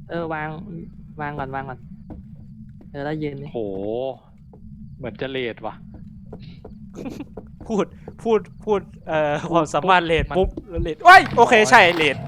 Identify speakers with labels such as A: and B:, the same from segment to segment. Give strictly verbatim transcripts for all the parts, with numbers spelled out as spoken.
A: เออวางวางก่อนวางก่อนเออแล้วยืนนี่
B: โหเหมือนจะเลดว่ะ
C: พูดพูดพูดเอ่อความสามารถเลดปุ๊บแล้วเลดว้ายโอเคใช่เลด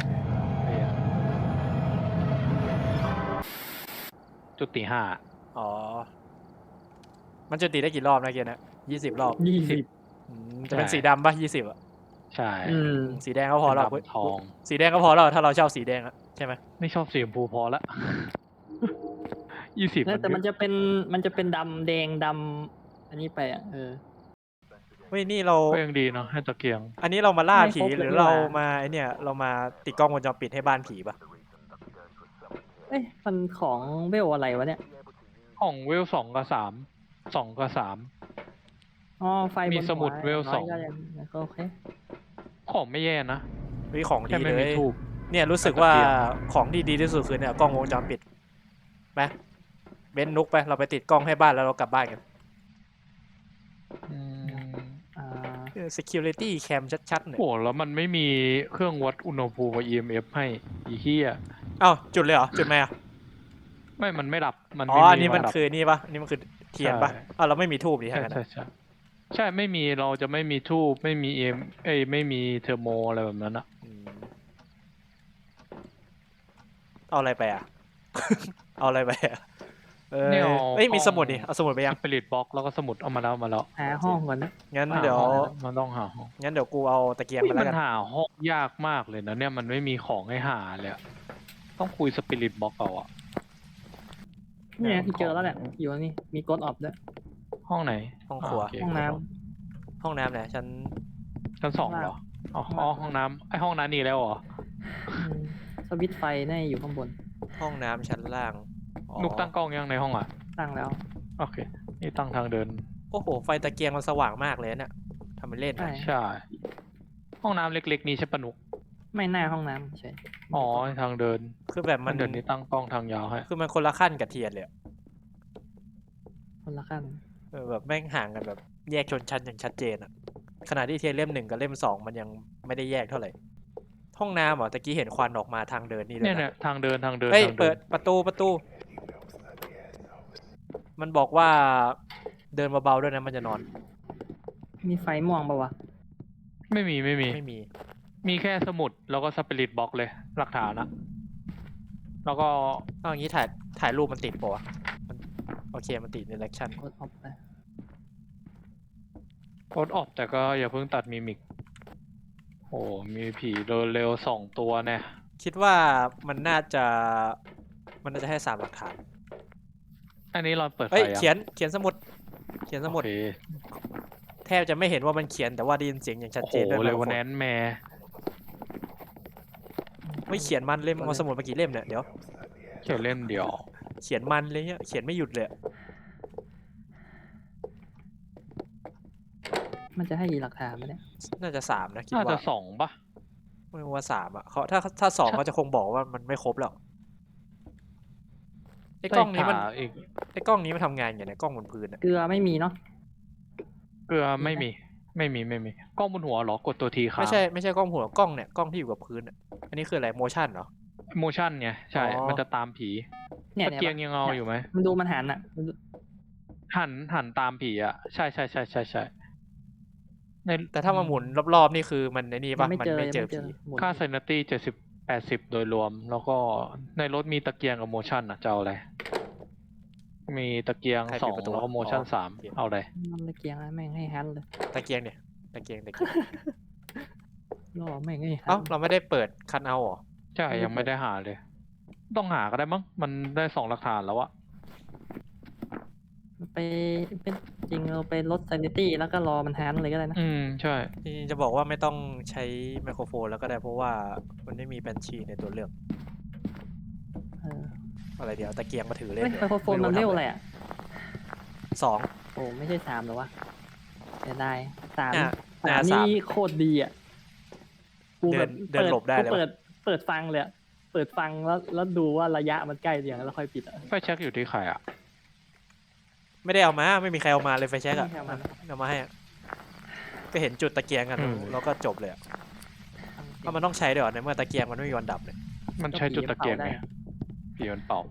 B: จุดตีห้า
C: อ๋อมันจะตีได้กี่รอบนะเกียร์นะยี่สิบรอบ
A: ยี่สิบ
C: อืมจะเป็นสีดำป่ะยี่สิบอ่ะ
B: ใช่
A: อืม
C: สีแดงก็พอแล้ว
B: เป็นดำทอง
C: สีแดงก็พอแล้วถ้าเราชอบสีแดงอะใช่ไหม
B: ไม่ชอบสีชมพูพอละ ยี่สิบ
A: แล้วแต่มันจะเป็นมันจะเป็นดำแดงดำอันนี้ไปอ่ะเออ
C: เฮ้ยนี่เรา
B: ก็ยังดีเนาะให้ตะเกียง
C: อันนี้เรามาล่า
A: ไม่
C: ผี
A: ครบเลย
C: หรือ
A: นี่
C: เรา
A: หว่า
C: มาไอเนี่ยเรามาติดกล้องวงจรปิดให้บ้านผีป่ะ
A: เอ้ยมันของเวลอะไรวะเนี่ย
B: ของเวลสองกับสามสองกับสาม
A: อ๋อไฟบน
B: มีสมุด
A: หั
B: เวล
A: น้ย
B: สอง
A: ก็ยังก็โอเค
B: ของไม่แย่นะ
C: วิของดี
B: แค่ไม่
C: เล
B: มี
C: ย
B: ทูบ
C: เนี่ยรู้สึกว่าของที่ดีที่สุดคือเนี่ยกล้องวงจรปิดไปเบนนุกไปเราไปติดกล้องให้บ้านแล้วเรากลับบ้านกัน
B: อืม
A: อ่า
C: เออ security cam ชัดๆเนี่ย
B: โหแล้วมันไม่มีเครื่องวัดอุณหภูมิกับ อี เอ็ม เอฟ ให้อีเหี้ย
C: อ้าวจุดเลยเหรอจุดไหมอ่ะ
B: ไม่มันไม่ดับมัน
C: อ๋อ
B: ไม่
C: อันนี้มัน
B: ดับ
C: คือนี่ป่ะอันนี้มันคือเทียนป่ะ
B: ใช่
C: อ้าวเราไม่มีทูบดิ
B: ใช่
C: ทั้งนั้น
B: ใช่
C: อะ
B: ใช่ใช่ไม่มีเราจะไม่มีทูบไม่มีเอ็มเอ้ยไม่มีเทอร์โมอะไรแบบนั้นอะ
C: อืมเอาอะไรไปอ่ะ เอาอะไรไปอ่ะเออ
B: เนี่ย
C: เอ้ยมีสมุดดิเอาสมุดไปยัง
B: สปิริตบ็อกแล้วก็สมุดเอามาแล้วเอามาแล้ว
A: หาห้องก่อนนะ
C: งั้น
A: อ่า
C: เดี๋ยว
B: มันต้องหาห้อง
C: งั้นเดี๋ยวกูเอาตะเกียงไป
B: เฮ้ย
C: แล้
B: มั
C: วน กัน
B: หาห้องยากมากเลยนะเนี่ยมันไม่มีของให้หาเลยอะต้องคุยสปิริตบ็อกเอาอะ
A: เนี่ยที่เจอแล้วแหละอยู่นี่มีกดออฟด้วย
B: ห้องไหน
C: ห้องครัว
B: าโเค
A: ห้องน้
C: ห้องน้ำเนี่ยฉัน
B: ชั้นสองเหรออ๋ออ๋อห้องน้ำไอห้องน้ำนี่แล้วเหรอ
A: อืมสวิตช์ไฟน่าจะอยู่ข้างบน
C: ห้องน้ำชั้นล่างอ๋อ
B: นุกตั้งกล้องยังในห้องอะ
A: ตั้งแล้ว
B: โอเคนี่ตั้งทางเดิน
C: โอ้โหไฟตะเกียงมันสว่างมากเลยเนี่ยทำเป็นเล่น
A: ใช่
C: นะ
B: ใช่ห้องน้ำเล็กๆนี้ใช่ปะนุก
A: ไม่หน้าห้องน้ำใช่
B: อ๋อทางเดิน
C: คือแบบ
B: ทา
C: มั
B: ง
C: น
B: เดินนี้ตั้งกล้องทางยาวให้
C: คือมันคนละขั้นกับเทียนเลยอะ
A: คนละขั้น
C: เออแบบแม่งห่างกันแบบแยกชนชั้นอย่างชัดเจนอะขณะที่เทียนเล่มหนึ่งกับเล่มสองมันยังไม่ได้แยกเท่าไหร่ห้องน้ำเหรอตะกี้เห็นควันออกมาทางเดินนี่เล
B: เนี่ย
C: ย
B: เนี่
C: นะ
B: ยทางเดินทางเดิน
C: เฮ้ย
B: ทาง
C: เปิดประตูประตู มันบอกว่าเดินเบาๆด้วยนะมันจะนอน
A: มีไฟม่วงปะวะ
B: ไม่มีไม่มี
C: ไม่มี
B: มีแค่สมุดแล้วก็สปิริตบ็อกเลยหลักฐานอะแล้วก็
C: เอาอย่างนี้ถ่ายถ่ายรูปมันติดปะวะมันโอเคมันติดในแอคชั่น
A: กดออฟไป
B: โค้ดออกแต่ก็อย่าเพิ่งตัดมิมิกโอ้มีผีเดินเร็วสองตัวเนี่ย
C: คิดว่ามันน่าจะมันน่าจะให้สามหลักฐาน
B: อันนี้เราเปิดไฟ
C: เฮ้ย
B: อะ
C: เขียนเขียนสมุด เขียนสมุด
B: โอเค
C: แทบจะไม่เห็นว่ามันเขียนแต่ว่าได้ยินเสียงอย่างชัด
B: โอ้
C: เจ
B: โห
C: นด้วย
B: เลย
C: ไมโคร
B: วัน
C: โฟ
B: แนนแม่
C: ไม่เขียนมันเล่มเอาสมุดมากี่เล่มเนี่ยเดี๋ยว
B: เขียนเล่มเดียว
C: เขียนมันเลยเนี่ยเขียนไม่หยุดเลยอะ
A: มันจะให้กี่หลักฐานไหมเนี่ย
C: น่าจะสามนะคิด
B: น่าจะ
C: ว่า
B: สองปะ
C: ไม่ว่าสามอ่ะเขาถ้าถ้าสอง
B: ใช่
C: เขาจะคงบอกว่ามันไม่ครบแล้วไอ้กล้องนี้มัน
B: ได้ขาอีก
C: ไอ้กล้องนี้มันทำงานอย่างไรกล้องบนพื้นอะ
A: เกลือไม่มีเนาะ
B: เกลือไม่มี ไม่มีไม่มีกล้องบนหัวเหรอกดตัวทีค้าง
C: ไม่ใช่ไม่ใช่กล้องหัวกล้องเนี่ยกล้องที่อยู่กับพื้นอะอันนี้คืออะไรโมชั่นเหรอ
B: โมชั่นไงใช่
C: อ๋อ
B: มันจะตามผี
A: เนี่ย
B: ตะ
A: เนี่ย
B: เกียงยังเอาอยู่ไหม
A: มันดูมันหันอ่ะมันดู
B: หันหันตามผีอ่ะใช่ใช่ใช่ใช่ใช่ใน
C: แต่ถ้ามาหมุนรอบๆนี่คือมันในนี่
A: ยั
C: ปะ
A: งไม่
C: มัน
A: เจอ
C: ไม่
A: ยัง
C: เจอ
A: ไม่เจอ
C: ผี
A: หมุน
B: ค่าไซนัตตี้เจ็ดสิบแปดสิบโดยรวม แล้วก็ในรถมีตะเกียงกับโมชั่นอ่ะจะเอาอะไร มีตะเกียง
C: ใคร
B: ส
C: ปิ
B: อ
C: ด
B: ง
C: ประตู
B: แล้วก็โมชั่น
C: อ๋อ
B: สาม
C: โอเค
B: เอาอะไร
A: มันตะเกียงแล้วแม่งให้ฮันเลย
C: ตะเกียงเนี่ยตะเกียงตะเกียง
A: ล่อแม่งให้ฮั
C: เอ้าน เราไม่ได้เปิดคันเอาเหรอ
B: ใช่ยังไม่ได้หาเลย ต้องหาก็ได้มั้งมันได้สองหลักฐานแล้วอะ
A: ไปเป็นจริงเราไปลด sanity แล้วก็รอมันฮันเลยก็ได้นะ
B: อืมใช่
C: จริงๆจะบอกว่าไม่ต้องใช้ไมโครโฟนแล้วก็ได้เพราะว่ามันไม่มีแบนชีในตัวเลือก
A: เออ
C: อะไรเดี๋ยวตะเกียงมาถือเล่
A: เฮ้ย
C: น
A: ไมโครโฟนมันเร็วอะไรอ่ะ
C: สอง
A: โอ้ไม่ใช่สามหรอวะเสียดายสาม
C: เนี่ย
A: สาม
C: เนี่ยสาม
A: นี่โคตรดีอ่ะกูแบบ
C: เดินเดินหลบได้เลย
A: กูเปิดเปิดฟังเลยอะเปิดฟังแล้วแล้วดูว่าระยะมันใกล้อย่างแล้วค่อยปิดอ่ะ
B: ไฟแช็กอยู่ที่ใครอะ
C: ไม่ได้เอามาไม่มีใครเอามาเลยไฟแช็กอะ
A: ไม่เอามา
C: เอามาให้อะก็เห็นจุดตะเกียงกันแล้วก็จบเลยอะเพราะมันต้องใช้ด้วยเหรอในเมื่อตะเกียงมันไม่มีวันดับเลย
B: มันใช้จุดตะเกียง
A: ได้
B: ไง
A: อะ
B: ผีมันเป่า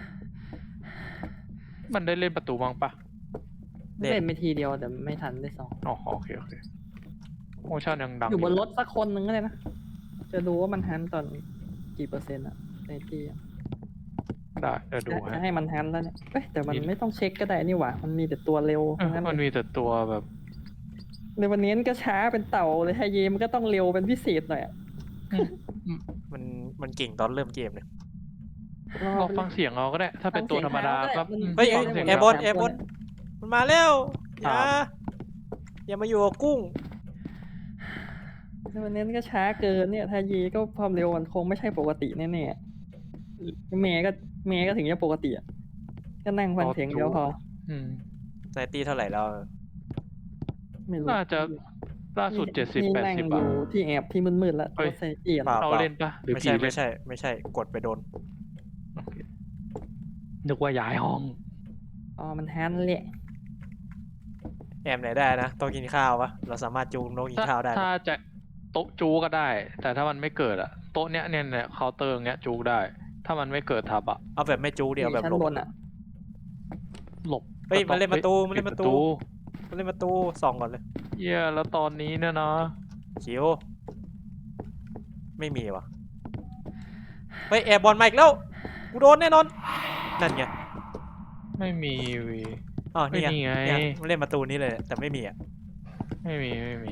B: มันได้เล่นประตูบ้างปะ
C: เล่น
A: เล่นไปทีเดียวแต่ไม่ทันได้สอง
B: อ๋อโอเคโอเคโมชั่นยังดัง
A: อยู่บนรถสักคนหนึ่งก็ได้นะ จะดูว่ามันฮันตอนกี่เปอร์เซ็นต์อะในที่อะ
B: ได้เดี๋ยวดู
A: จะ
B: ให้
A: ให้มันฮันแล้วเนี่ยเอ้ยแต่มัน
B: นี่
A: ไม่ต้องเช็คก็ได้นี่หว่า มันมีแต่ตัวเร็ว
B: เออ
A: ทั้งนั้น
B: มันมีแต่ตัวแบบ
A: ในวันนี้ก็ช้าเป็นเต่าเลยไฮเยมันก็ต้องเร็วเป็นพิเศษหน่อยอะ
C: มันมันเก่งตอนเริ่มเกมเนี่ย
B: ลองฟังเสียงเอาก็ได้ ถ้าเป็นตัวธรรมดาก็
A: มัน
B: อืม
C: เฮ้ย
B: ฟังเสียง
C: แอร์บอลแอร์บอลมันมาแล้วอย่า
B: ครับ
C: อย่ามาอยู่กับกุ้ง
A: ในวันนี้ก็ช้าเกินเนี่ยไฮเยก็ความเร็วมันคงไม่ใช่ปกติแน่ๆเมย์ก็เมย์ก็ถึงจะปกติอะก็นั่งฟังเสียงเดียวพอ
B: อืม
C: ไซตี้เท่าไหร่แล้ว
A: ไม่รู้
B: น่าจะล่าสุดเจ็ดสิบ
A: นี่
B: แปด
A: นั่ง
B: สิบ
A: อ
B: อ่ะ
A: ยู่ที่แอบที่มืดๆแล้ว
B: เฮ้ย
A: รถไซเอียน
C: เปล่า
B: เราเล่นปะหรือ
C: ไม่
B: ผี
C: ใช่
B: เล่
C: ไม่
B: น
C: ใช่ ไม่ใช่กดไปโดน
B: โอเคนึกว่าย้ายห้อง
A: อ๋อมันฮันแหละ
C: แอมไหนได้นะโต๊ะกินข้าวปะเราสามารถจูงโต๊ะกิน
B: ถ้า
C: ข้าวได้
B: ถ้า
C: ปะ
B: จะโต๊ะจูก็ได้ แต่ถ้ามันไม่เกิดอะโต๊ะเนี้ยเนี่ยเนี่ยเคาน์เตอร์เนี้ยจูได้ ถ้ามันไม่เกิดทับอะ
C: เอาแบบไม่จูงเดียวแบบ
A: ชั้น
C: หลบบ
A: นอ่ะ
B: หลบ
C: เฮ้ย
B: ก็ต้อง
C: มันเล่นประตู
B: ฮ้ย
C: มันเล่น
B: ปิด
C: ประตู มันเล่นประตูส่องก่อนเลย
B: เหี้ยแล้วตอนนี้เนี่ยนะ
C: คิวไม่มีวะเฮ้ยแอร์บอลมาอีกแล้วกูโดนแน่นอนนั่นไง
B: ไม่มีวี
C: อ๋อนี่ไง
B: ไม่มีไง
C: เนี่ยมันเล่นประตูนี้เลยแต่ไม่มีอ่ะ
B: ไม่มีไม่มี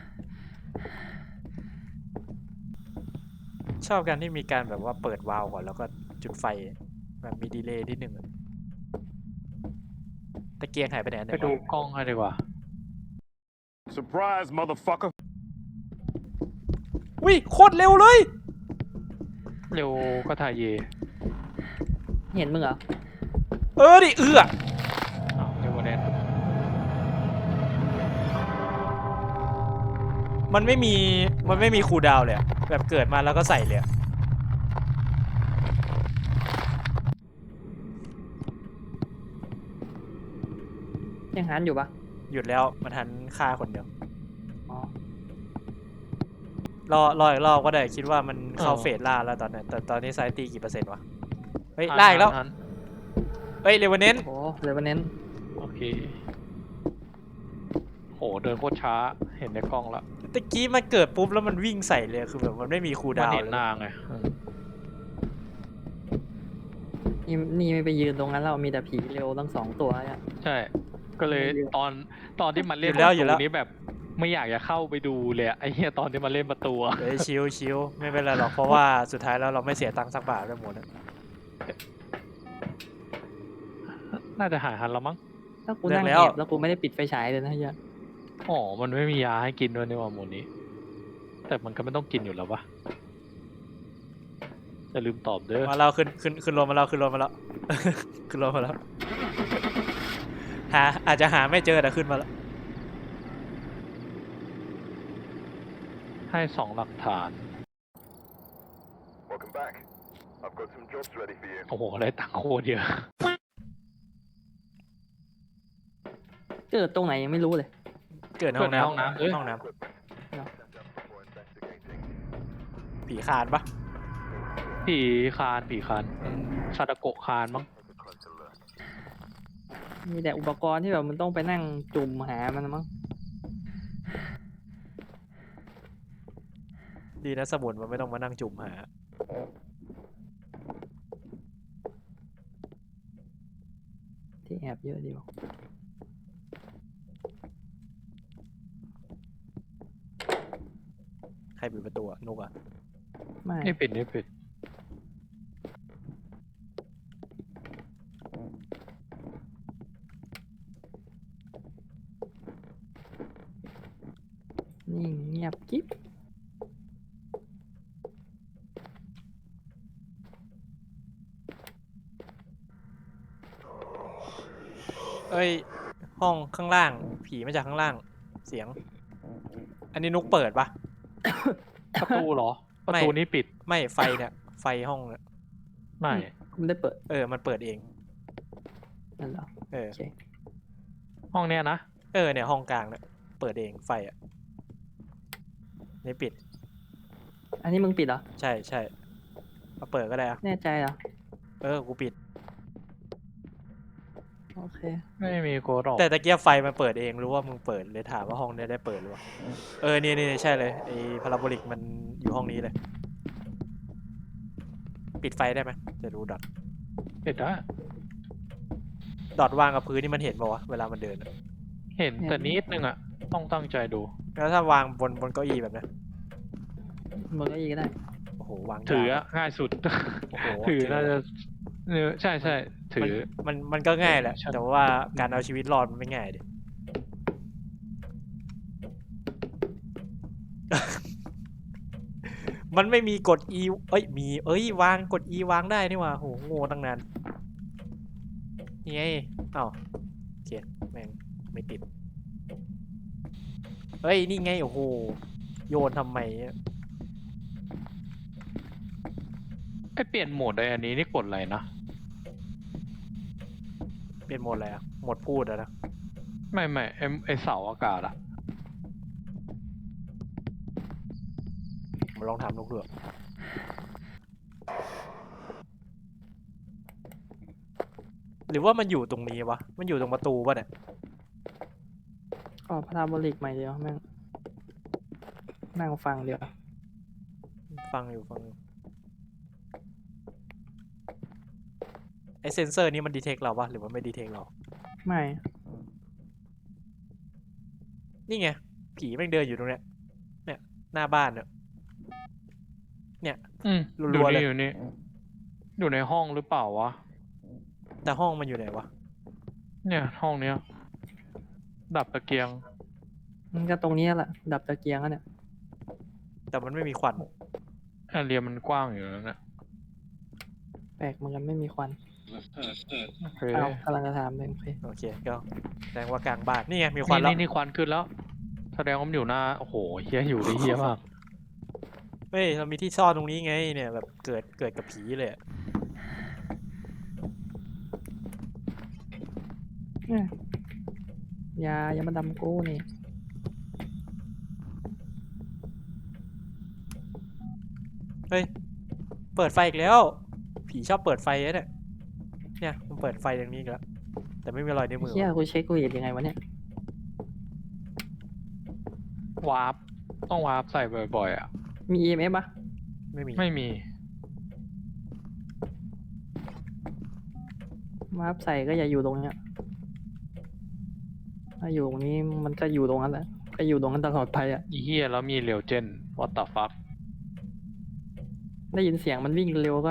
C: ชอบการที่มีการแบบว่าเปิดวาล์วก่อนแล้วก็จุดไฟแบบมีดีเลย์นิดหนึ่งอะตะเกียงหายไปไหนอันห
B: ไป
C: นึ่ง
B: ดู
C: วะ
B: กล้องให้ดีกว่า
D: Surprise, motherfucker.
C: อุ้ยโคตรเร็วเลย
B: เร็วก็ถ่ายเย
A: เห็นมึงเหรอ
C: เออดิเอือ
B: อ้าวเร็วกว่าแน่น
C: มันไม่มีมันไม่มีคูลดาวน์เลยอะแบบเกิดมาแล้วก็ใส่เลยอะ
A: ยังฮันอยู่ปะ
C: หยุดแล้วมันทันฆ่าคนเดียว
A: อ๋อ
C: รอรออีกรอบก็ได้คิดว่ามันเข้าเฟสล่าแล้วตอนนี้แต่ตอนนี้ไซตีกี่เปอร์เซ็นต์วะเฮ้ยล่าอีกแล้ว
B: ทัน
C: เฮ้ยเรเวเนน
A: โอ้เลยวันนี้
B: โอเค โหเดินโคตรช้า เห็นในกล้องละ
C: ตะกี้มันเกิดปุ๊บแล้วมันวิ่งใส่เลยคือแบบมันไม่มีคูล
B: มัน
C: ดาวน์
B: เห็น
C: เลย
B: หน้าไงอืม
A: นี่นี่ไม่ไปยืนตรงนั้นเรามีแต่ผีเร็วทั้งสองตัวอะ
B: ใช่ ก็เลย
A: ไม่เยอะ
B: ตอนตอนที่มัน
C: อ
B: เล่น
C: ยู่แล้วอยู่
B: ป
C: แล้
B: ระ
C: ว
B: ตูนี้แบบไม่อยากจะเข้าไปดูเลยอะไอ้เหี้ยตอนที่มันเล่นประตูอะ
C: เฮ้ยชิวชิวไม่เป็นไรหรอกเพราะว่าสุดท้ายแล้วเราไม่เสียตังค์สักบาทด้วยหมดนะ
B: น่าจะหายทันแล้วมั้ง
A: ถ้ากูนั่งแอบแล้วกูไม่ได้ปิดไฟฉายเลยนะเฮีย
B: อ๋อ มันไม่มียาให้กินด้วยนี่หว่าหมูนี้ แต่มันก็ไม่ต้องกินอยู่แล้วปะจะลืมตอบเด้อ
C: มาเราขึ้นขึ้นขึ้นรถมาแล้วขึ้นรถมาแล้ว ขึ้นรถมาแล้วหาอาจจะหาไม่เจอแต่ขึ้นมาแล้ว
B: ให้สองหลักฐาน
D: Welcome back. I've got some jobs ready for you.
B: โอ้โห ได้ตังค์โคตรเยอะ
A: เกิดตรงไหนยังไม่รู้เลย
C: เกิดในห้อง
B: เกิดในห้อง
C: น้ำ
B: น้ำเอ้ย
C: ห้องน้
D: Equipment. Set up before investigating.
C: ำผีคานปะ
B: ผีคานผีคานซาดาโกะคานมั้ง
D: Take a closer look.
A: มีแต่อุปกรณ์ที่แบบมันต้องไปนั่งจุ่มหามันมั้ง
C: ดีนะสมุนมันไม่ต้องมานั่งจุ่มหา
A: ที่แอบเยอะดีวะ
C: ใครปิดประตูอะนุกอะ
A: ไม่
B: ไม่ปิดไม่ปิด
A: นิ่งเงียบกิ๊บ
C: เอ้ยห้องข้างล่าง ผีมาจากข้างล่าง เสียง อันนี้นุกเปิดปะ
B: ประตูเหรอ ประ
C: ไม่
B: ตูนี้ปิด
C: ไม่ไฟเนี่ยไฟห้องเนี่ย
B: ไม่
A: กูไม่ได้เปิด
C: เออมันเปิดเอง
A: นั่นเหรอ
C: เออ
A: โอเค
B: ห้องเนี้ยนะ
C: เออเนี่ยห้องกลางเนี่ยเปิดเองไฟอะนี่ปิด
A: อันนี้มึงปิดเหรอ
C: ใช่ใช่มาเปิดก็ได้อะ
A: แน่ใจเหรอ
C: เออกูปิด
A: โอเค
B: ไม่มีโกดออก
C: แต่ตะเกียบไฟมันเปิดเองรู้ว่ามึงเปิดเลยถามว่าห้องเนี้ยได้เปิดหรือเปล่าเออนี่นี่ใช่เลยไอ้พาราโบลิกมันอยู่ห้องนี้เลย ปิดไฟได้ไหมจะดูดอท
B: เห็นได้
C: ดอทวางกับพื้นนี่มันเห็นป่าวะเวลามันเดินอะ
B: เห็นแต่นิดนึงอ่ะ ต้องตั้งใจดู
C: แล้วถ้าวางบนบนเก้าอี้แบบนี้
A: บนเก็อีก็ได้
C: โอ้โหวาง
B: ถือย
C: าก
B: อะง่ายสุด
C: โอ้โห
B: ถือน่าจะเออใช่ใช่ถือ
C: มันมันก็ง่ายแหละ
B: ใช่
C: แต่ว่าการเอาชีวิตรอดมันไม่ง่ายดิ มันไม่มีกด E เอ้ยมีเอ้ยวางกด E วางได้นี่หว่าโหโง่ตั้งนานนี่ไงอ้าวโอเคแม่งไม่ติดเฮ้ยนี่ไงโอ้โหโยนทำไมอะ
B: ไอเปลี่ยนโหมดไออันนี้นี่กดอะไรนะ
C: เป็นโหมดอะไรอะโหมดพูดอะนะ
B: ไม่ไม่ไอไอเสาอากาศอะ
C: มาลองทำลูกเรือหรือว่ามันอยู่ตรงนี้วะมันอยู่ตรงประตูป่ะเนี่ย
A: อ๋อพาราโบลิกใหม่เดียวแม่งนั่งฟังเดียว
C: ฟังอยู่ฟังอยู่ไอเซนเซอร์นี้มันดีเทคเราปะหรือว่าไม่ดีเทคเรา
A: ไม่
C: นี่ไงผีแม่งเดินอยู่ตรงเนี้ยเนี่ยหน้าบ้านเนี่ย
B: อืม
C: รั
B: อยู่
C: วๆเลย
B: นี่อยู่นี่อยู่ในห้องหรือเปล่าวะ
C: แต่ห้องมันอยู่ไหนวะ
B: เนี่ยห้องเนี้ย ดับตะเกียง
A: มันก็ตรงนี้แหละดับตะเกียงแล้วเนี่ย
C: แต่มันไม่มีควัน
B: แอเรียมันกว้างอยู่แล้วเนี่ย
A: แปลกเหมือนกันไม่มีควัน
B: โอเค
A: เอากำลังจะถามเลยโอเค
C: โอเคก็แสดงว่ากลางบ้านนี่ไงมีควัน
B: นี่
C: แล้ว
B: นี่นี่ควันขึ้นแล้ว แสดงว่ามันอยู่หน้า โอ้โหเฮียอยู่ได้เฮียมาก
C: เฮ้ยเรามีที่ซ่อนตรงนี้ไงเนี่ยแบบเกิดเกิดกับผีเลยอะ
A: เนี่ยอยาอย่ามาดำกูนี่
C: เฮ้ยเปิดไฟอีกแล้ว ผีชอบเปิดไฟนะเนี่ยเนี่ยมันเปิดไฟอย่างนี้อีกแล้วแต่ไม่มีรอยนิ้วมือ
A: เฮียว
C: ะ
A: กูเช็คกูเห็นยังไงวะเนี่ย
B: วาร์ปต้องวาร์ปใส่บ่อยๆอ่ะ
A: มี อี เอ็ม เอฟ ปะ
C: ไม่มี
B: ไม่มี
A: มาร์ปใส่ก็อย่าอยู่ตรงเนี้ยถ้าอยู่ตรงนี้มันก็อยู่ตรงนั้นแหละก็อยู่ตรงนั้นตลอดไปอ่ะ
B: อีเฮียแล้วมีเรียวเจน what the fuck
A: ได้ยินเสียงมันวิ่งเร็วก็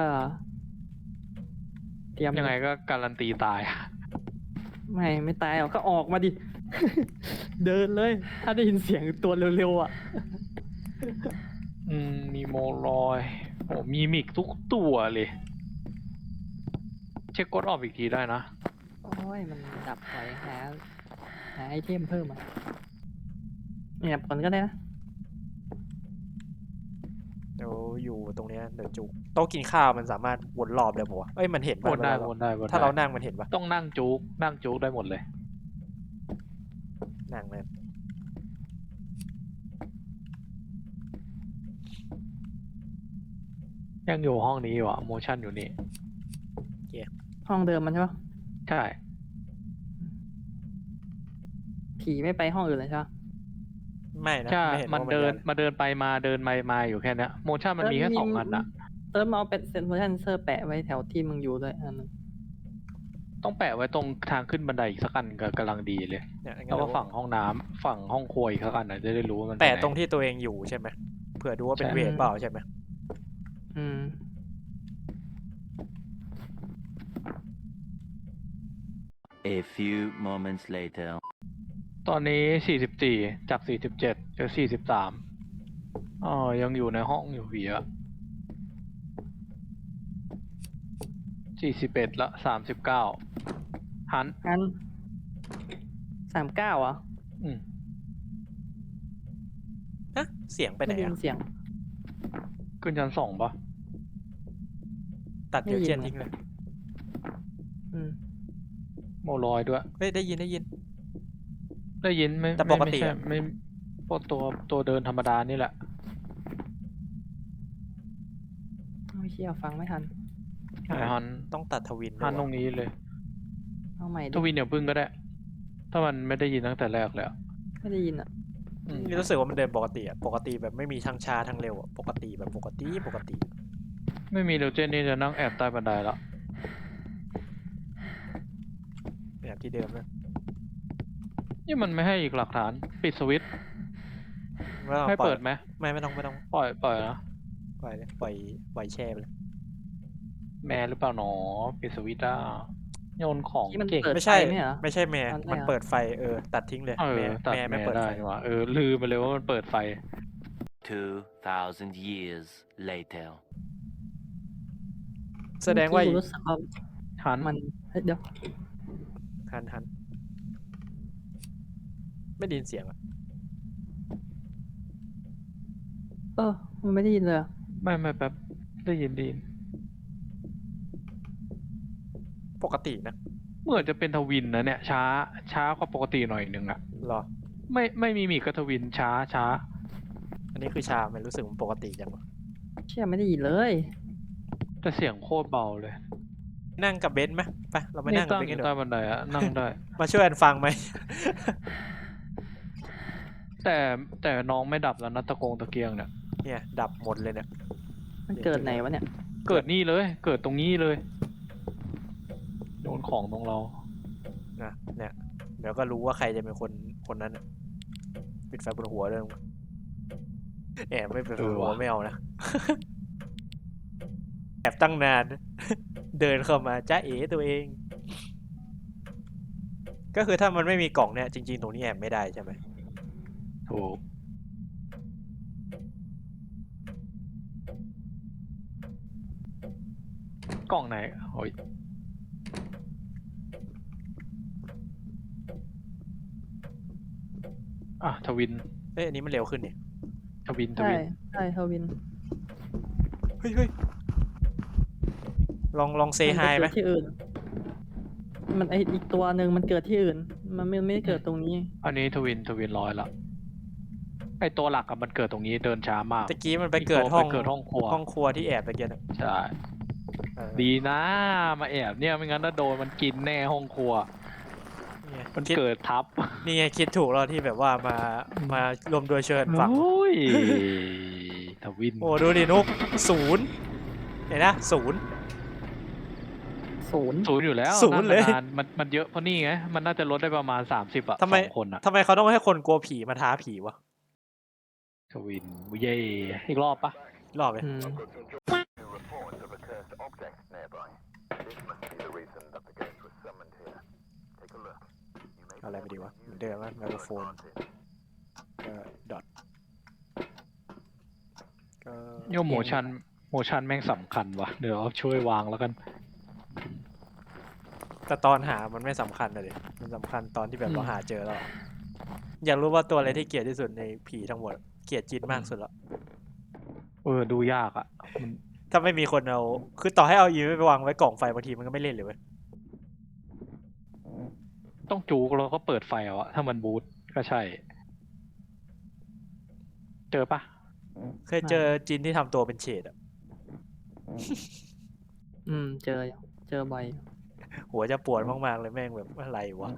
A: เตรียม
B: ยังไงก็การันตีตาย
A: ไม่ไม่ตายหรอกก็ออกมาดิ เดินเลย ถ้าได้ยินเสียงตัวเร็วๆอ่ะ
B: อืมมีโมลอยโอ้มีมิกทุกตัวเลย เช็คกดออกอีกทีได้นะ
A: โอ้ยมันดับไฟหาหาไอเทมเพิ่มอ่ะเนี่ยผลก็ได้นะ
C: เดี๋ยวอยู่ตรงเนี้ยเดี๋ยวจุกโต๊ะกินข้าวมันสามารถวนรอบได้ปะวะเอ้ยมันเห็น
B: ว
C: ปะ
B: นได้
C: วล
B: วนได้วนได้
C: ถ้าเรานั่งมันเห็นปะ
B: ต้องนั่งจุกนั่งจุกได้หมดเลย
C: นั่งเลย
B: ยังอยู่ห้องนี้อยู่อะโมชั่นอยู่นี่
A: ห้องเดิมมันใช่ปะ
B: ใช่
A: ผีไม่ไปห้องอื่นเลยใช่ปะ
C: ไม่นะ
B: ใช่
C: ไม่เห็น
B: มัน
C: ว่า
B: เดิน
C: ย้าย
B: มาเดินไปมาเดินไปมาอยู่แค่เนี้ยโมชั่นมันมีแค่สองอันอะ
A: เติมเอาเป็นเซนเซอร์แปะไว้แถวที่มึงอยู่ด้วยอันนึง
B: ต้องแปะไว้ตรงทางขึ้นบันไดอีกสักอันก็กำลังดีเลย
C: เนี่ยงั้น
B: แล้วก็
C: เดี๋ยว
B: ฝั่งห้องน้ำฝั่งห้องครัวอีกสักอันอะจะได้รู้ว่ามัน
C: แปะ
B: ไหน
C: ตรงที่ตัวเองอยู่ใช่ไหมเผื่อดูว่าเป็น
B: ใช่
C: เวทเปล่าใช่ไหม
A: อืม
E: A few moments later.
B: ตอนนี้สี่สิบสี่จากสี่สิบเจ็ดเหลือสี่สิบสามอ๋อยังอยู่ในห้องอยู่ผีอะสี่สิบเอ็ดละสามสิบเก้าหัน
A: งั้นสามเก้าอ่ะ
B: อืม
C: ฮะเสียงไปไหน
A: ไม่ได้ยิ
C: อะ
A: นเสียง
B: ขึ้นชั้นสองปะ
C: ตัดเดี๋ยว
A: ไม่ยิ
C: เจ
A: น
C: น
A: อะ
C: ทิ้งเลย
A: อืม
B: โมลอยด้วย
C: เฮ้ยได้ยินได้ยิน
B: ได้ยินไหม
C: แต่
B: ไม่
C: ปกติ
B: ไม่ใช่
C: อะ
B: ไม่พวกตัวตัวเดินธรรมดานี่แหละ
A: โอ้ยเชี่ยฟังไม่ทัน
B: ไอฮัน
C: ต้องตัดทวินด้
B: ฮั
C: วย
B: นตร
C: วะ
B: งนี้เลย
A: เอาใหม่
B: ท
A: ดิ
B: วินเดี๋ยวพึ่งก็ได้ ถ้ามันไม่ได้ยินตั้งแต่แรกแล้ว
A: ไม่ได้ยินอ่ะ
B: อืม
C: นี่รู้สึกว่ามันเดินปกติอะปกติแบบไม่มีทั้งช้าทั้งเร็วอะปกติแบบปกติปกติ
B: ไม่มีเดวเจนนี่จะนั่งแอบใต้บันไดแล้ว
C: แบบที่เดิมเลย
B: นี่มันไม่ให้อีกหลักฐาน ปิดสวิตช์
C: ไม่ต้อง
B: ให้
C: ปล่อย
B: เปิดไหม
C: ไม่ไม่ต้องไม่ต้อง
B: ปล่อยปล่อยนะ
C: ปล่อยเลยปล่อยปล่อยแช่ไปเลย
B: แม่หรือเปล่าหนอ ปิดสวิตช์อ่ะโยนของ
A: ที่มัน
B: เก่ง
A: เปิด
C: ไม่ใช่
A: ไฟไหมเหรอ
C: ไม่ใช่แม่
A: ตอนแรก
C: มัน
A: เหรอ
C: เปิดไฟเออตัดทิ้งเลย
B: เออ
C: แม่
B: ตัด
C: แม่ไม่
B: แม่
C: เปิด
B: ได้
C: ไฟ
B: นี่หว่าเออ ลืมไปเลยว่ามันเปิดไฟ
E: Two thousand years later.
C: แสดงว่า
A: เมื่อกี้กูรู้สึกว่า
B: หัน
A: มันเฮ้ยเดี๋ยว
C: หันหันไม่ได้ยินเสียงอะ
A: เออ มันไม่ได้ยินเลยอะ
B: ไม่ไม่แป๊บ ได้ยินไดี
C: ปกตินะ
B: เหมือนจะเป็นทวินนะเนี่ย ช้า ช้ากว่าปกติหน่อยนึงอ่ะ
C: หรอ
B: ไม่ไม่มีมีกระทวินช้าช้า
C: อันนี้คือชาไม่รู้สึกมันปกติจังวะ
A: เชี่ยไม่ได้ยินเลย
B: แต่เสียงโคตรเบาเลย
C: นั่งกับเบนซ์ไหมไปเราไป
B: นี่
C: นั่งกับ
B: ตั้ง
C: เบน
B: อ
C: ซ์กัน
B: ยู่
C: เถ
B: ใต้
C: อะ
B: บันไดอะนั่งได้
C: มาช่วยกันฟังไหม
B: แต่แต่น้องไม่ดับแล้วนะตะโกงตะเกียงเนี่ย
C: เนี่ยดับหมดเลยเนี่ย
A: มันเกิดไหนวะเนี่ย
B: เกิดนี่เลย เกิดตรงนี้เลยโดนของตรงเรา
C: นะเนี่ยเดี๋ยวก็รู้ว่าใครจะเป็นคนคนนั้นน่ะปิดไฟบนหัวเลยแอบไม่ปิดไฟบนหัว
B: เออว่ะ
C: ไม่เอานะ แอบตั้งนาน เดินเข้ามาจ้าเอ๋ตัวเอง ก็คือถ้ามันไม่มีกล่องเนี่ยจริงๆตรงนี้แอบไม่ได้ใช่ไหม
B: ถูกกล่องไหนโอ้ยอ่ะทวิน
C: เอ้ยอันนี้มันเร็วขึ้นนี่
B: ทวินท
A: ใช่
B: วิน
A: ใช่ทวิน
C: เฮ้ยเฮ้ยลองลองเซ
A: มัน
C: ฮา
A: ไป
C: ยไหม
A: เกิดที่อื่น มันไออีกตัวหนึ่งมันเกิดที่อื่น มันไม่ไม่ได้เกิดตรงนี้
B: อันนี้ทวินทวินร้อยละไอตัวหลักอะมันเกิดตรงนี้เดินช้ามาก
C: ตะกี้มันไปเกิดห้อง
B: ไปเกิดห้องครัว
C: ห้องครัวที่แอบไปเกินอะ
B: ใช่
C: เออ
B: ดีนะมาแอบเนี่ยไม่งั้นถ้าโดนมันกินแน่ห้องครัว
C: นี่ไง
B: มัน
C: คิด
B: เกิดทับ
C: นี่ไงคิดถูกแล้วที่แบบว่ามามารวมโดวยเชิญฝั่ง
B: โอ้ยทวิน
C: โอ้ดูดินุกศูนย์เห็นนะศูนย์
A: ศูนย์
B: ศูนย์อยู่แล้ว
C: ศูนย์เลย
B: าๆมันมันเยอะเพราะนี่ไงมันน่าจะลดได้ประมาณสามสิบอะ
C: ทำไม
B: สองคนอะ
C: ทำไมเขาต้องให้คนกลัวผีมาท้าผีวะ
B: ทวินเย่อีกรอบปะ
C: รอบเลย
A: อืม
D: I've got some jobs to report of a cursed object nearby. This must be the reason that the ghost was summoned here. Take a look. You may
C: เอาอะไรไปดีวะเหมือนเดิมว่าไมโครโฟน ก็ดอทก็
B: โยมโมชันโมชันแม่งสำคัญวะเดี๋ยวช่วยวางแล้วกัน
C: แต่ตอนหามันไม่สำคัญเลยมันสำคัญตอนที่แบบเราหาเจอแล้วอยากรู้ว่าตัวอะไรที่เกลียดที่สุดในผีทั้งหมดเกลียดจินมากสุดแล้ว
B: เออดูยากอะมัน
C: ถ้าไม่มีคนเอาคือต่อให้เอาอีไม่ไปวางไว้กล่องไฟบางทีมันก็ไม่เล่นเลยเว้ย
B: ต้องจูกแล้วก็เปิดไฟเอาอะถ้ามันบูทก็ใช่ เจอปะ
C: เคยเจอจินที่ทำตัวเป็นเฉดอะ
A: อืม เจออยู่เจอบ่อย
C: หัวจะปวดมากๆเลยแม่งแบบอะไรวะ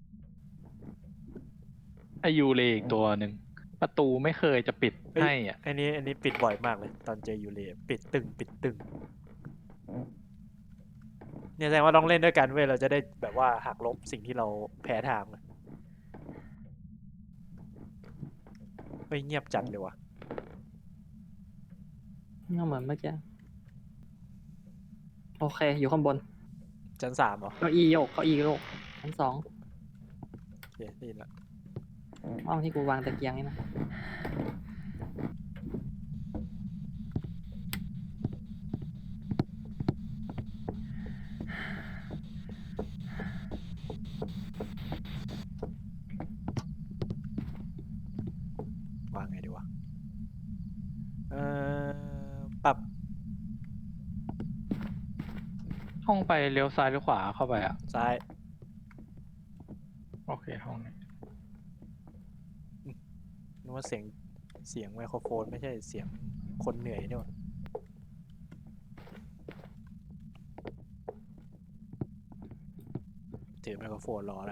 B: ไอยูเลอีกตัวหนึ่งประตูไม่เคยจะปิดให้อ่ะ
C: อันนี้อันนี้ปิดบ่อยมากเลย ตอนเจอยูเรียปิดตึงปิดตึงเนี่ยแสดงว่าต้องเล่นด้วยกันเว้ยเราจะได้แบบว่าหักลบสิ่งที่เราแพ้ทางอะเฮ้ยเงียบจัดเลยวะ
A: ก็เหมือนเมื่อกี้ โอเค อยู่ข้างบน
C: ชั้นสามเหรอ
A: เก้าอี้โยกเก้าอี้โยกชั้นสอง
C: โอเคได้ยินละ
A: ห้องที่กูวางตะเกียงนี่นะ
C: วางไงดีวะเอ่อปรับ
B: ห้องไปเลี้ยวซ้ายหรือขวาเข้าไปอ่ะ
C: ซ้าย
B: โอเคห้องนี้
C: นึกว่าเสียงเสียงไมโครโฟนไม่ใช่เสียงคนเหนื่อยนี่หว่าถือไมโครโฟนรอแล้ว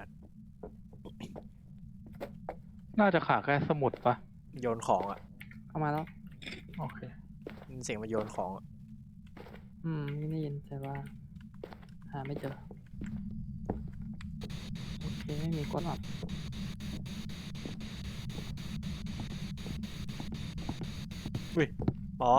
B: น่าจะขาดแค่สมุดปะ
C: โยนของอ่ะ
A: เข้ามาแล้ว
B: โอเค
C: มันเสียงมันโยนของอะ
A: อืมไม่ได้ยินแต่ว่า หาไม่เจอ โอเค ไม่มีกดออก
C: อ๋อ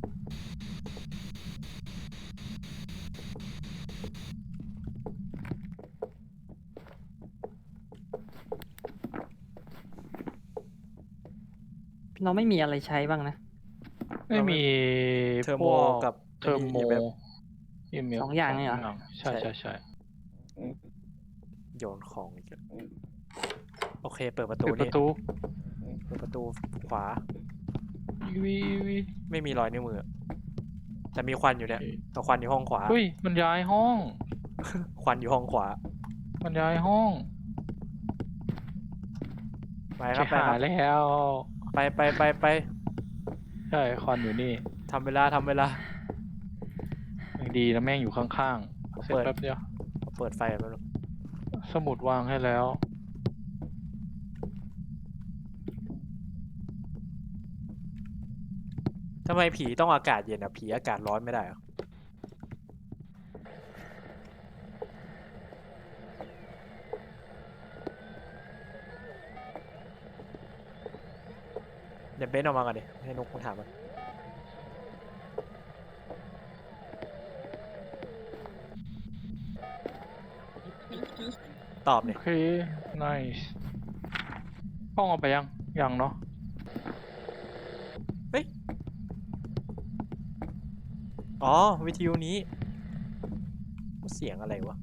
A: เราไม่มีอะไรใช้บ้างนะ
B: ไม่มี
C: เทอร์
B: พ
C: โม
B: วก
C: กับ
B: เทอร์โม
C: แบบ
B: อีเมล
A: สองอย่างเนี่ยเหรอ
B: ใช่ใช่ใช่
C: โยนของอีกแล้วโอเค เปิดประตู
B: ปิดป
C: นี่
B: ระตู
C: เปิดประตูขวา
B: อีวีอีวี
C: ไม่มีรอยนิ้วมือ แต่มีควันอยู่เนี่ยแต่ควันอยู่ห้องขวา
B: เฮ้ยมันย้ายห้อง
C: ควันอยู่ห้องขวา
B: มันย้ายห้อง
C: ไปครับไป
B: หา
C: ครับ
B: แล้ว
C: ไปไปไปไป
B: ใช่คอนอยู่นี่
C: ทำเวลาทำเวลา
B: ยังดีนะแม่งอยู่ข้างๆ เสร็จ
C: เปิด
B: แป๊บเดียว
C: เปิดไฟแล้ว
B: สมุดวางให้แล้ว
C: ทำไมผีต้องอากาศเย็นอ่ะ ผีอากาศร้อนไม่ได้เหรอ เดี๋ยวเบนออกมาก่อนดิ ให้นุกมาถามมันตอบ
B: โอ
C: เนี่ย
B: เค nice กล้องเอาไปยัง ยังเนาะ
C: อ๋อ วิทยุนี้ เสียงอะไรวะ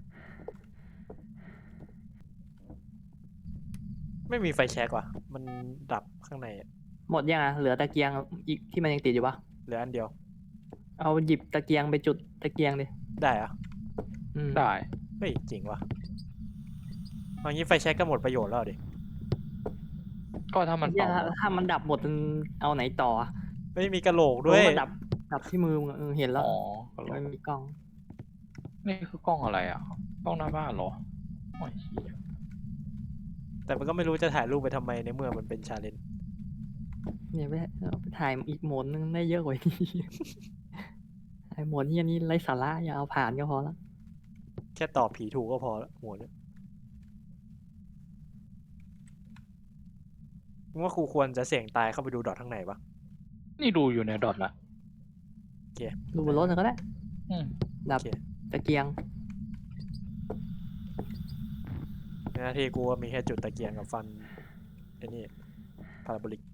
C: ไม่มีไฟแช็กว่ะ มันดับข้างในอะ
A: หมดยังอ่ะ เหลือตะเกียงอีกที่มันยังติดอยู่ปะ
C: เหลืออันเดียว
A: เอาหยิบตะเกียงไปจุดตะเกียงดิ
C: ได้เหรอะ
A: อืม
B: ได้
C: เฮ้ยจริงว่ะเอางี้ไฟแช็กก็หมดประโยชน์แล้วดิ
B: ก็ถ้ามัน
A: เหี้ย
B: เป่า
A: ถ้าถ้ามันดับหมดมันเอาไหนต่ออะ
C: ไม่มีกระโหลกด้วย
A: เออมันดับ ดับที่มือมึงอะเออเห็นแล้ว
B: อ๋อก็ล
A: ไม่
B: ง
A: มีกล้อง
B: นี่คือกล้องอะไรอ่ะ กล้องหน้าบ้านเหรอโอ้ยเหี้ย
C: แต่มันก็ไม่รู้จะถ่ายรูปไปทำไมในเมื่อมันเป็นชาเลนจ์
A: เนี่ยไปเอาไปถ่ายอีกโหมดนึงได้เยอะกว่านี้ ไอ้โหมดที่อันนี้ไร้สาระอย่าเอาผ่านก็พอละ
C: แค่ตอบผีถูกก็พอละหัวเนี่ยมึงว่าครูควรจะเสี่ยงตายเข้าไปดูดอทข้างในปะ
B: นี่ดูอยู่ในดอทละ
C: โอเค
A: ดูบนรถก็ได้
B: อืม
A: ดับ
C: โอเค
A: ตะเกียง
C: ในหน้าที่กูก็มีแค่จุดตะเกียงกับฟันไอ้นี่พาราโบลิก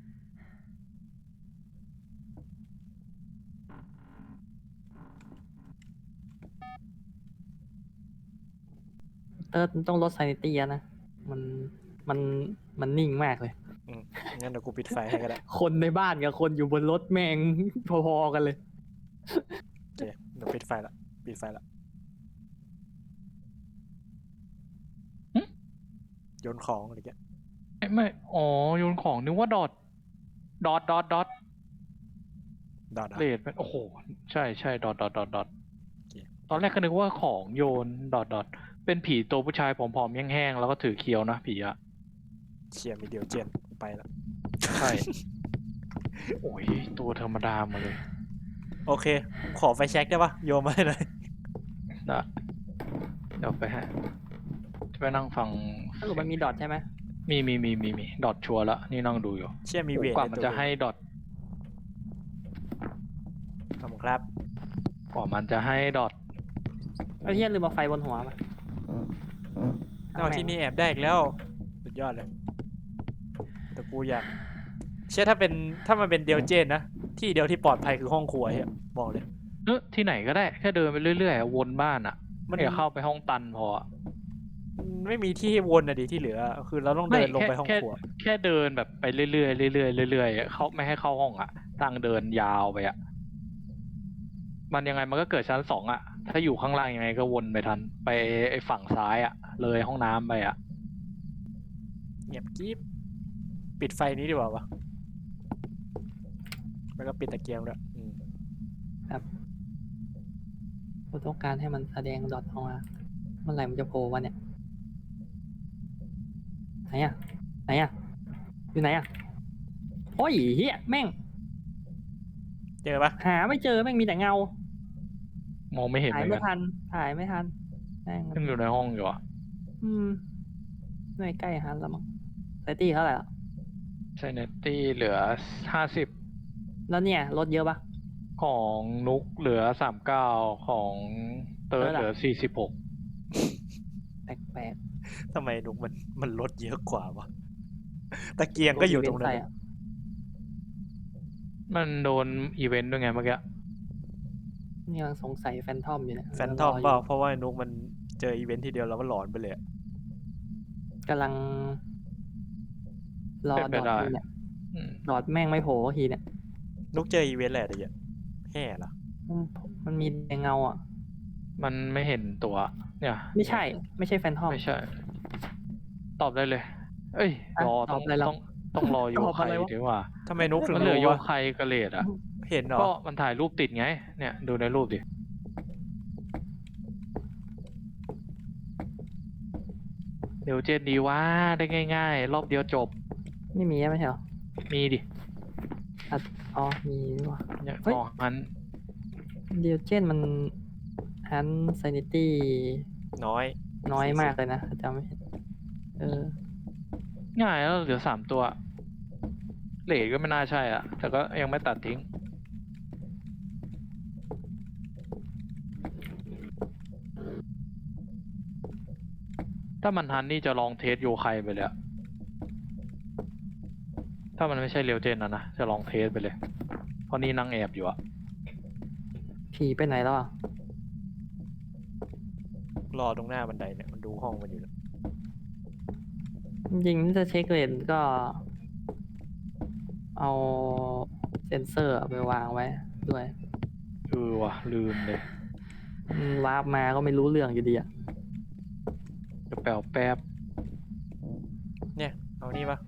A: เติร์ดมันต้องลดซานิตี้นะ มัน มัน มันนิ่งมากเลย
C: อืมงั้นเดี๋ยวกูปิดไฟให้ก็ได้
A: คนในบ้านกับคนอยู่บนรถแม่ง พอๆกันเลย
C: โอเคเดี๋ยวปิดไฟละปิดไฟละโยนของอะไรเงี้ย
B: ไม่ไม่ อ๋อโยนของนึกว่าดอท ดอท ดอท ดอท
C: ดอทอะ
B: เลดเป็นโอ้โห ใช่ใช่ดอท ดอท ดอท ดอท
C: โอเค
B: ตอนแรกก็นึกว่าของโยน ดอท ดอท เป็นผีตัวผู้ชายผอมๆแห้งๆแล้วก็ถือเคียวนะผีอะ
C: เชียร์มีเดียวเจนไปละ
B: ใช่ โอ้ย ตัวธรรมดามาเลย
C: โอเค ขอไฟแช็กได้ปะโยนมาให้หน่อย
B: ได้เดี๋ยวไปฮะจะไปนั่งฟัง
A: สรุปมันมีดอทใช่ไหม
B: มีมีมีมีมีดอทชัวร์ละนี่นั่งดูอยู่
C: เชื่อมีเวท
B: กว่า
C: ใน
B: มัน
C: ตัว
B: จะให้ดอท
C: ขอบคุณครับ
B: กว่ามันจะให้ดอท
A: ไอ้เหี้ยลืมเอาไฟบนหัวมา
C: เอาที่นี่แอบได้อีกแล้ว สุดยอดเลย แต่กูอยาก เชื่อถ้าเป็นถ้ามันเป็นเดียวเจนนะ ที่เดียวที่ปลอดภัยคือห้องครัวเฮียบอกเลย
B: เออที่ไหนก็ได้แค่เดินไปเรื่อยๆวนบ้านอ่ะ
C: มัน
B: เดี๋ยวเข้าไปห้องตันพออะ
C: มันไม่มีที่ให้วนอะดิที่เหลือ คือเราต้องเดินลงไปห้อง
B: แค่
C: ครัว
B: แค่เดินแบบไปเรื่อยๆเรื่อยๆเรื่อยๆเขาไม่ให้เข้าห้องอ่ะตั้งเดินยาวไปอ่ะมันยังไงมันก็เกิดชั้นสองอ่ะ ถ้าอยู่ข้างล่างยังไงก็วนไปทัน ไปไอ้ฝั่งซ้ายอ่ะ เลยห้องน้ำไปอ่ะ
C: เงียบกริบปิดไฟนี้ดีกว่าวะแล้วก็ปิดตะเกียงด้วยอืม
A: เราต้องการให้มันแสดงดอทออกมาเมื่อไหร่มันจะโผล่วะเนี่ยไหนอะไหนอะอยู่ไหนอะโอ้ยเฮียแม่ง
C: เจอปะ
A: หาไม่เจอแม่งมีแต่เงา
B: มองไม่เห็นเห
A: ถ่าย
B: มือน
A: ไม่
B: กัน
A: ทันถ่ายไม่ทันแม่ง
B: ยังอยู่ในห้องอยู่อ่ะ
A: อืมไม่ใกล้ฮันแล้วมั้งไซตี้เท่าไหร่ละ
B: ไซเนตตี้เหลือห้าสิบ
A: แล้วเนี่ยรถเยอะปะ
B: ของนุกเหลือสามเก้าของเติร์ด
A: เติร์ดอะ
B: เหลือสี่สิบหก
A: แปลก
C: ทำไมนุกมันมันลดเยอะกว่าวะตะเกียง
A: ๆ
C: ก็อยู่ตรงนั้น
A: ใส่
C: นะ
A: อะ
B: มันโดนอีเวนต์ด้วยไงเมื่อกี้
A: นี่ยังสงสัยแฟนทอมอยู่เนี่ย
C: แฟนทอมเปล่าเพราะว่านุกมันเจออีเวนท์ทีเดียวแล้วมันหลอนไปเลยอะ
A: กำลังรอ
B: เป็น
A: ด
B: ไป
A: อด
B: ได้
A: อยู่เนี่ย
B: อืม
A: ดอดแม่งไม่โผล่สักทีเนี่ย
C: นุกเจออีเวนท์แหละแต่อย่าแห่เหรอ
A: มันมันมีแต่เงาอ่ะ
B: มันไม่เห็นตัว เนี่ย
A: ไม่ใช่ ไม่ใช่แฟนทอม
B: ไม่ใช่ ตอบได้เลย เอ้ย
A: อ่ะ
B: รอ
A: ต
B: ต้
A: อ
B: อบ ง
A: อะไรเรา
B: ต้องต้องรอโย
A: ตอบ
B: ไค
A: อะไรวะ
B: ดีกว่า
C: ทำไมนุกถึง
B: มันเหลือ
C: รู้
B: โย
C: วะ
B: ไคกระเลดอ่ะ
C: เห็นเหรอ
B: ก็มันถ่ายรูปติดไง เนี่ย ดูในรูปดิ เดี๋ยวเจนดีว่าได้ง่ายๆ รอบเดียวจบ
A: ไม่มีไม่ใช่เหรอ
B: มีดิ
A: อ๋อมีนี่หว่ะ
B: เนี่ย
A: เฮ้ย
B: อ๋อมัน
A: เดียวเจนมันฮันซนิตี้
C: น้อย
A: น้อยมากเลยนะถ้าจำไม่ผิดเออ
B: ง่ายแล้วเหลือสามตัว เหลทก็ไม่น่าใช่อ่ะ แต่ก็ยังไม่ตัดทิ้ง ถ้ามันทันนี่จะลองเทสโยไคไปเลยอะถ้ามันไม่ใช่เรียวเจนนะนะ จะลองเทสไปเลย เพราะนี่นั่งแอบอยู่อะ
A: ผีไปไหนแล้วอ่ะ
C: รอตรงหน้าบันไดเนี่ยมันดูห้องมันอยู่นะ
A: จริงๆถ้าเช็คเลนก็ เอาเซนเซอร์ไปวางไว้ด้วย
B: เออว่ะ ลืมเลย
A: มันวาร์ปมาก็ไม่รู้เรื่องอยู่ดีอ่ะ
B: เดี๋ยวแปลวแป๊บ
C: เนี่ยเอานี่ปะ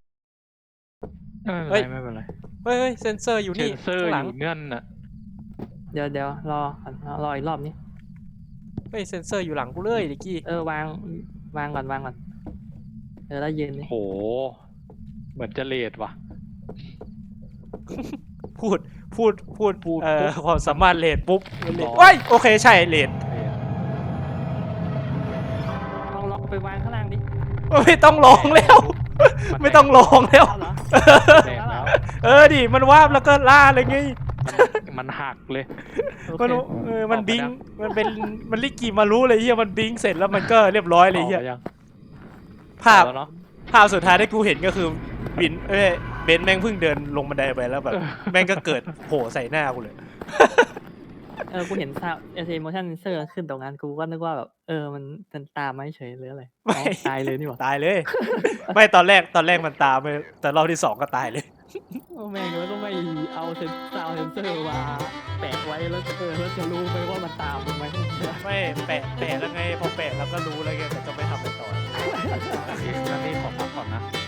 B: ไม่เป็นไรไม่เป็นไร
C: เฮ้ยเฮ้ยเซนเซอร์อยู่
B: เซ
C: นี่
B: นเซอร์
C: ข้าง
B: อ
C: หลัง
B: ยู่เงื่อนน่ะ
A: เดี๋ยวเดี๋ยวรอก่อนรออีกรอบนี้
C: เฮ้ยเซนเซอร์อยู่หลังกูเลยดิกี้
A: เออวางวางก่อนวางก่อนเออแล้วยืนนี่
B: โห เหมือนจะเลทว่ะ
C: พูดพูดพูด
B: พูด
C: เอ่อ
B: ปุ๊บ
C: ความสามารถเลดปุ๊บเลด
B: รอ
C: เฮ้ยโอเคใช่เลด
A: ลองลองไปวางข้างล่างดิ
C: ไม่ต้องลองแล้ว
B: มัน
C: ไม่ต้องลองแล้ว
A: เอาเหรอ
B: แดงแล้ว
C: เออดิมันวาบแล้วก็ล่าเลยไง
B: มันหักเลย
A: โอ
C: มัน
A: เค
C: เออมัน
B: ออกไป
C: บิง
B: ยัง
C: มันเป็นมันลิกิมารู้เลยเฮียมันบิงเสร็จแล้วมันก็เรียบร้อยเลยเฮีย
B: ออกไปยัง
C: ภาพ
B: ออกแล้วเนาะ
C: ภาพสุดท้ายที่กูเห็นก็คือบินเอ้ยเบนซ์แม่งเพิ่งเดินลงบันไดไปแล้วแบบ แม่งก็เกิดโผล่ใส่หน้ากูเลย
A: เออกูเห็นซาวเอเซโมชั่นเซอร์ขึ้นตรงนั้นกูก็นึกว่าแบบเออมันเป็นตามมาเฉยหรืออะไร
C: ไม่
A: อ๋อตายเลยนี่หว่า
C: ตายเลย ไม่ตอนแรกตอนแรกมันตามไปแต่รอบที่สองก็ตายเลย
A: โอ้แม่งแล้วก็ไม่เอาเซนซาวเซนเซอร์มาแปะไว้แล้วเออแล้วจะรู้ไหมว่ามันตามมึงไหม
C: ไม่แปะแปะแล้วไงพอแปะแล้วก็รู้แล้วไงแต่ก็ไม่ทำไปต่อ
B: นั่นนี่ขอพักก่อนนะ